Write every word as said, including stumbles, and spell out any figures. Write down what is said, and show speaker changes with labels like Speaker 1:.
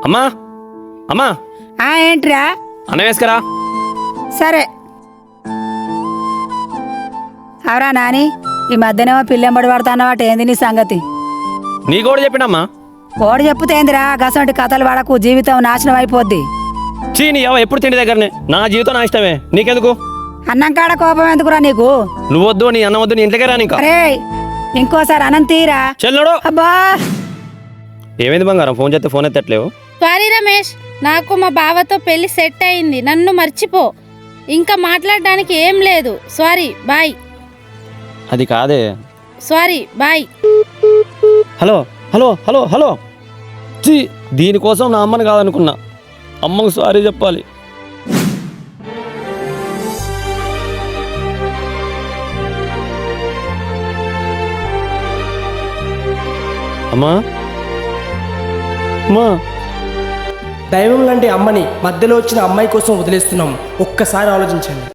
Speaker 1: అమ్మా అమ్మా
Speaker 2: ఆ ఏంట్రా?
Speaker 1: అన్నం వేసుకురా.
Speaker 2: సరే అవరా నాని, ఈ మధ్యనేమో పిల్లెంబడి పడతాన్నవాట, ఏంది నీ సంగతి?
Speaker 1: నీ కూడా చెప్పినమ్మా.
Speaker 2: ఓడి చెప్పుతేందిరా, గసంటి కథలు పడకు, జీవితం నాశనం అయిపోద్ది.
Speaker 1: చీ నీ అవ్వ ఎప్పుడు తిండి దగ్గరనే. నా జీవితం నా ఇష్టమే, నీకెందుకు?
Speaker 2: అన్నం కాడ కోపం ఎందుకురా నీకు?
Speaker 1: నువ్వు వద్దు, నీ అన్నం వద్దు, నీ ఇంట్లోకే రాని. ఇంకా
Speaker 2: అరే ఇంకోసారి అన్నం తీరా.
Speaker 1: చెల్లుడు.
Speaker 2: అబ్బా
Speaker 1: ఏమైంది బంగారం, ఫోన్ చేస్తే ఫోన్ ఎత్తట్లేవు?
Speaker 3: సారీ రమేష్, నాకు మా బావతో పెళ్లి సెట్ అయింది, నన్ను మర్చిపో. ఇంకా మాట్లాడడానికి ఏం లేదు. Sorry boy.
Speaker 1: అది కాదే.
Speaker 3: Sorry boy.
Speaker 1: Hello hello hello hello చీ, దీనికోసం నా అమ్మని కాదనుకున్నా. అమ్మకు సారీ చెప్పాలి. అమ్మా అమ్మా,
Speaker 4: దైవం లాంటి అమ్మని మధ్యలో వచ్చిన అమ్మాయి కోసం వదిలేస్తున్నాం. ఒక్కసారి ఆలోచించండి.